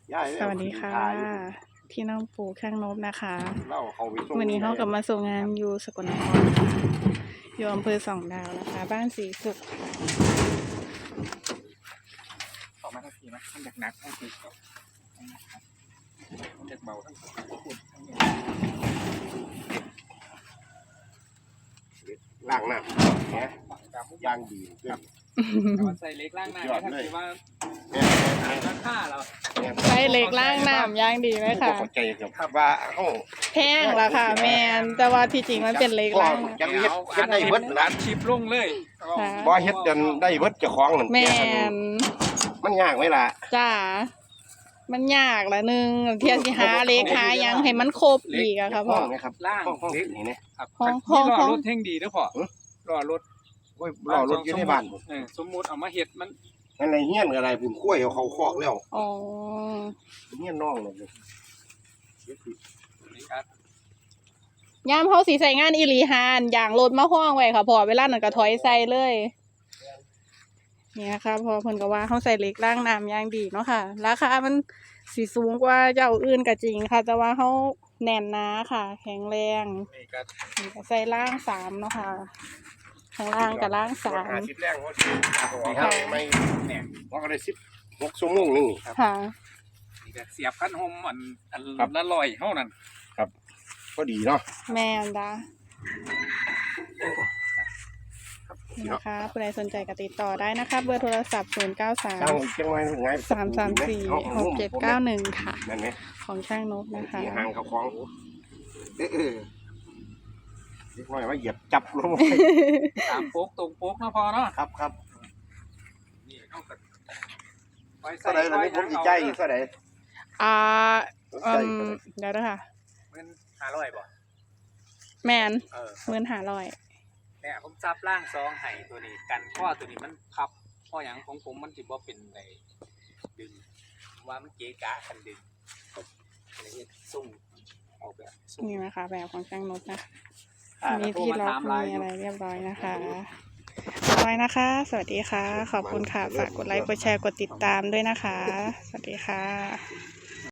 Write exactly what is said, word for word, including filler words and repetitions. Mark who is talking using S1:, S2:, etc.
S1: สวัสดีค่ะพี่น้องปู่ข้างนบนะคะวันนี้เขากลับมาส่งงานอยู่สกลนครค่ะอยู่อำเภอสองดาวนะคะบ้านสีสุขค่ะ
S2: ออกมาทั้งทีนะทั้งหนักๆทั้งทีครับทั้งเบาทั้งขุ่นทั้งล่างหน้าเนี่ยยางดีครับใส่เล็กล่างหน้าเนี่ยถ้าคิดว่าราคาเรา
S1: ใส่เล็กล่างน้ำย่างดีไหมคะ
S2: เข้าใจกับว่าโอ้
S1: แพงละค่ะแมนแต่ว่าที่จริงมันเป็นเล็กล่าง
S2: จะเฮ็ดเฮ็ดได้เบิดร้านชิปลงเลยบ่เฮ็ดจนได้เบิดเจ้าของนั่น
S1: แมน
S2: มันยากไหมล่ะ
S1: จ้ามันยากละนึงเที่ยวสิหาเล็กหายังให้มันครบอีกอะค่ะพ่อ
S2: ล่างห้องเล็กนี่นะ
S1: ห้องห้อง
S2: ห้องรถเท่งดีนะพ่อรอรถโอ้ยรอรถอยู่ในบ้านสมมุติเอามาเฮ็ดมันอะไรเงี้ยนอะไรผมคุ้ยเอาเขาคอกแล้ว
S1: อ๋อ
S2: เงี้ยนน้องเลย
S1: ยามเขาสีใส่งานอีหลีหานอย่างรถมาห้องไว้ค่ะพอเวลาหนังกระถอยใส่เลยเนี่ยค่ะพอเพิ่นก็ว่าเขาใส่เล็กล่างน้ำย่างดีเนาะค่ะราคามันสีสูงกว่าเจ้าอื่นก็จริงค่ะแต่ว่าเขาแน่นหนาค่ะแข็งแรงใส่ล่างสามเนาะค่ะข้างล่างกับล่างสาม
S2: สิบแรงเขาไม่แหน่ว่าก็ได้สิบหกชั่วโมงนึงครับ
S1: ค่ะ
S2: เสียบขั้นหอมอันอันละลอยเท่านั้นครับก็ดีเนาะ
S1: แม่นดานะคะผู้ใดสนใจก็ติดต่อได้นะคะเบอร์โทรศัพท์ศูนย์เก้าสามสามสามสี่หกเจ็ดเก้าหนึ่งค่ะของช่างนกนะคะ
S2: ห่างเขาคล้องเออเล็กน้อยว่าเหยียบจับลงตามโป๊กตรงโป๊กนะพอเนาะครับครับนี่เข้ากันไว้ใส่ไว้ผมดีใจเท่าไหร่
S1: อ่าอืมเดี๋ยวนะคะ
S2: เงินห้าร้อยบ่
S1: แมนเงินห้าร้อย
S2: เนี่ยผมจับล่างซองไห้ตัวนี้กันข้อตัวนี้มันพับข้ออย่างของผมมันจิบ่เป็นในดึงว่ามันเก๋กะกันดึงอะไรเงี้ยซุ่มออกแบบ
S1: นี่นะคะแบบของช่างนกนะคะมีที่ล็อกมีอะไรเรียบร้อยนะคะร้อยนะคะสวัสดีค่ะขอบคุณค่ะฝากกดไลค์กดแชร์กดติดตามด้วยนะคะสวัสดีค่ะ